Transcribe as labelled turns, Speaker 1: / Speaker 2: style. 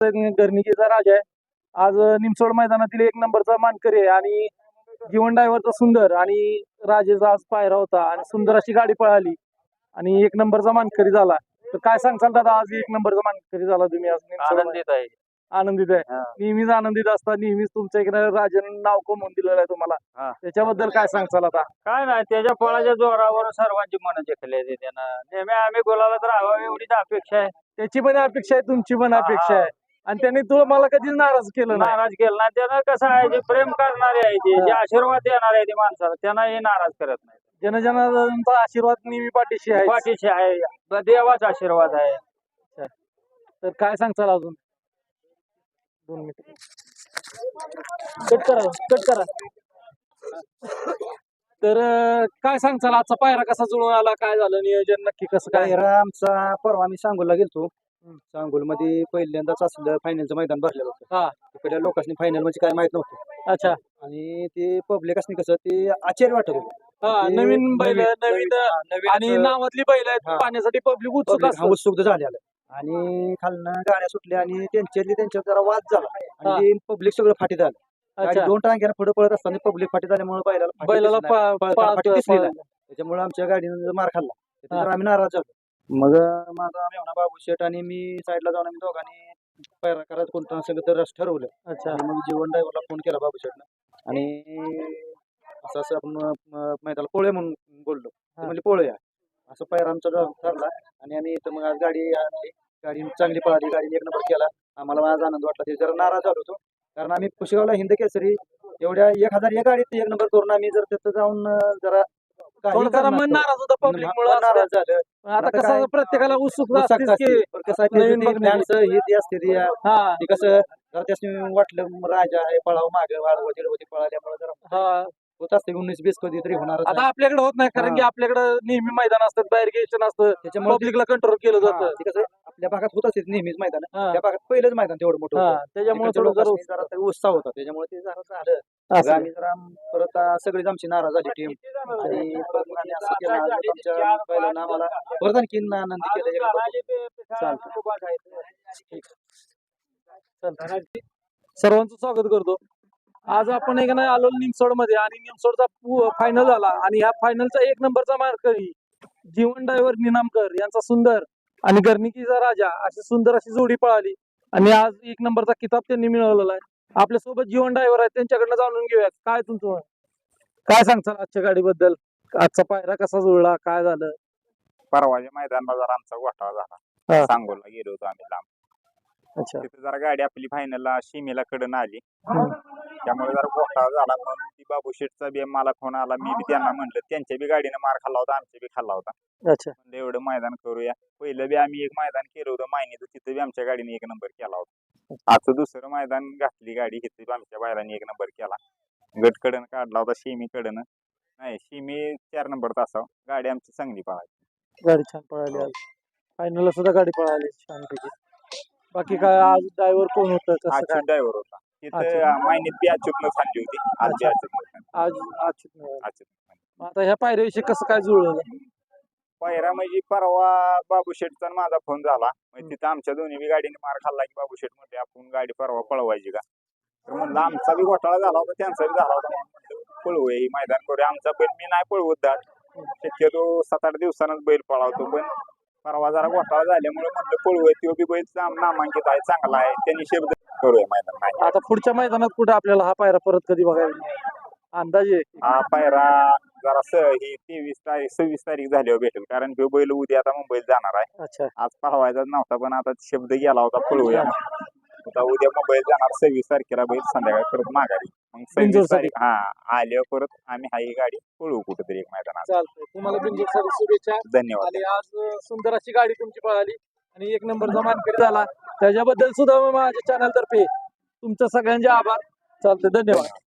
Speaker 1: गर्णिकीचा राजा आहे. आज निमसोड मैदानातील एक नंबरचा मानकरी आहे आणि जीवन ड्रायव्हरचा सुंदर आणि राजेचा आज पायरा होता आणि सुंदर अशी गाडी पळाली आणि एक नंबरचा मानकरी झाला. तर काय सांगताल दादा, आज एक नंबरचा मानकरी झाला तुम्ही? आज
Speaker 2: आनंदित आहे.
Speaker 1: आनंदित आहे. नेहमीच आनंदित असता, नेहमीच तुमच्या इकडे राजाने नाव कमवून दिलेलं आहे तुम्हाला. त्याच्याबद्दल काय सांगताल आता?
Speaker 2: काय नाही, त्याच्या पळाच्या जोरावर सर्वांची मन जिंकले त्यानं. नेहमी आम्ही बोलायला तर राहावं एवढीच अपेक्षा आहे.
Speaker 1: त्याची पण अपेक्षा आहे, तुमची पण अपेक्षा आहे आणि त्यांनी मला कधीच नाराज केलं नाही.
Speaker 2: नाराज केलं नाही त्यानं. कसं आहे, जे प्रेम करणारे आहे ते, जे आशीर्वाद देणार आहे ते माणसाला, त्यांना हे नाराज करत नाही.
Speaker 1: जनजनाचा आशीर्वाद नेहमी पाठीशी आहे.
Speaker 2: पाठीशी आहे, देवाचा आशीर्वाद आहे.
Speaker 1: तर काय सांगताल अजून? 2 मिनिट कट करा. तर काय सांगताल, आजचा पायरा कसा जुळून आला? काय झालं नियोजन नक्की कसं काय?
Speaker 3: पायरा आमचा परवा आम्ही सांगोलला गेलतो. सांगोल मध्ये पहिल्यांदाच असलं फायनलचं मैदान भरलेलं होतं. तिकडल्या लोकांनी फायनल म्हणजे काय माहित नव्हतं.
Speaker 1: अच्छा.
Speaker 3: आणि ते पब्लिक असणे कसं ते आश्चर्य वाटत होतं.
Speaker 1: नवीन बैल, नवीन आणि नावातली बैल आहेत, पाहण्यासाठी पब्लिक
Speaker 3: उत्सुक झालेलं. आणि खालनं गाड्या सुटल्या आणि त्यांच्यात जरा वाद झाला आणि पब्लिक सगळं फाटी झालं. गाडी 2 टांग्यानं पुढे पळत असताना पब्लिक फाटी झाल्यामुळे बैलाला फाटी दिसली नाही. त्याच्यामुळे आमच्या गाडीनं मार खाल्ला. त्याच्यावर आम्ही नाराज झालो. मग माझा मेवणा बाबू शेठ आणि मी साईडला जाऊन आम्ही दोघांनी पायरा करायचं कोणतं सगळं तर ठरवलं.
Speaker 1: अच्छा.
Speaker 3: मग जीवन ड्रायव्हरला फोन केला बाबू शेठनं आणि असं आपण मैदानाला पोळे म्हणून बोललो. म्हणजे पोळूया असं पायरा आमचा ठरला आणि आम्ही इथं मग आज गाडी आणली. गाडी चांगली पळाली, गाडीने 1 नंबर केला. आम्हाला आज आनंद वाटला. ते जरा नाराज झालो होतो कारण आम्ही पुशेगावला हिंद केसरी एवढ्या 1001 गाडीत 1 नंबर करून आम्ही जर तिथं जाऊन जरा
Speaker 1: मन नाराज होतं पब्लिक मुळे.
Speaker 3: नाराज झालं.
Speaker 1: आता कसं प्रत्येकाला उत्सुकता असते की
Speaker 3: कसं हे असते कसं जरा त्याने वाटलं राजा आहे पळाव मागे वाढवती पळाल्यामुळे जरा होत असते 19-20 कधी तरी होणार.
Speaker 1: आता आपल्याकडे होत नाही कारण की आपल्याकडे नेहमी मैदान असतात, बाहेर गेशन असतं, त्याच्यामुळे पब्लिकला कंट्रोल केलं जातं.
Speaker 3: कसं आपल्या भागात होत असते नेहमीच मैदान. त्या भागात पहिलंच मैदान तेवढं मोठं होतं.
Speaker 1: त्याच्यामुळे
Speaker 3: जरा उत्साह होता. त्याच्यामुळे ते जरा झालं. आम्ही जरा परत सगळीच आमची नाराज झाली टीम आणि परत आम्ही असं केलं आमच्या पहिल्यांदा आम्हाला परत आणखी आनंद केला.
Speaker 1: सर्वांचं स्वागत करतो. आज आपण एक नाही आलो निमसोड मध्ये आणि निमसोडचा फायनल झाला आणि ह्या फायनलचा 1 नंबरचा मानकरी जीवन ड्रायव्हर निनामकर यांचा सुंदर आणि गर्णिकीचा राजा अशी सुंदर अशी जोडी पळाली आणि आज 1 नंबरचा किताब त्यांनी मिळवलेला आहे. आपल्या सोबत जीवन ड्रायव्हर आहेत, त्यांच्याकडनं जाणून घेऊया काय तुमचं काय सांगताल आजच्या गाडीबद्दल? आजचा पायरा कसा जुळला, काय झालं?
Speaker 4: परवाच्या मैदानाला जरा आमचा घोटाळा झाला. सांगोलला गेलो होतो आम्ही लांब.
Speaker 1: अच्छा.
Speaker 4: तिथे जरा गाडी आपली फायनलला शिमेला कडन आली, त्यामुळे जरा घोटाळा झाला. म्हणून ती बाबू शेठचा बी मला फोन आला. मी बी त्यांना म्हणलं, त्यांच्या बी गाडीनं मार खाल्ला होता, आमच्या बी खाल्ला होता.
Speaker 1: अच्छा.
Speaker 4: म्हणलं एवढं मैदान करूया. पहिलं बी आम्ही एक मैदान केलं होतं मायनीचं, तिथे बी आमच्या गाडीने 1 नंबर केला होता. आजचं दुसरं मैदान घातली गाडी, तिथे बी आमच्या बायलांनी 1 नंबर केला. गट कडन काढला होता, शिमी कडन नाही, शिमी 4 नंबर तासाव. गाडी आमची चांगली पळाली.
Speaker 1: गाडी छान पळाली. आज फायनलला सुद्धा गाडी पळाली छानपैकी. बाकी काय आज ड्रायव्हर कोण होतं?
Speaker 4: अच्युत ड्रायव्हर होता तिथे. मायनीत बी अच्युतनं खाल्ली होती. आज बी अच्युत.
Speaker 1: आता ह्या पायऱ्याविषयी कसं काय जुळलं?
Speaker 4: पायरा म्हणजे परवा बाबू शेठचा माझा फोन झाला. म्हणजे तिथं आमच्या दोन्ही बी गाडीने मार खाल्ला की बाबू शेठ म्हणते आपण गाडी परवा पळवायची का? तर म्हणलं आमचा बी घोटाळा झाला होता, त्यांचा बी झाला होता. पळवूया ही मैदान करूया. आमचा बैल मी नाही पळवत दाट, शक्यतो 7-8 दिवसानच बैल पळवतो. पण परवा जरा घोटाळा झाल्यामुळे म्हणलं पळवूया. तो बी बैल नामांकित आहे, चांगला आहे, त्यांनी शब्द करूया मैदान.
Speaker 1: आता पुढच्या मैदानात कुठे आपल्याला हा पायरा परत कधी बघायला अंदाजे?
Speaker 4: हा पायरा जरा ही 26 तारीख झाल्यावर भेटेल, कारण तो बैल उद्या आता मुंबईत जाणार आहे.
Speaker 1: अच्छा.
Speaker 4: आज पळवायचाच नव्हता पण आता शब्द गेला होता पळवूया. आता उद्या मुंबईत जाणार. 26 तारखेला बैल संध्याकाळी परत माघारी. मग 26 तारीख आल्यावर परत आम्ही हा ही गाडी पळवू कुठेतरी एक मैदानात.
Speaker 1: चालतंय. तुम्हाला बिनजोडसाठी शुभेच्छा.
Speaker 4: धन्यवाद.
Speaker 1: आणि आज सुंदर अशी गाडी तुमची पळाली आणि 1 नंबरचा मानकरी झाला, त्याच्याबद्दल सुद्धा माझ्या चॅनल तर्फे तुमच्या सगळ्यांचे आभार. चालतंय, धन्यवाद.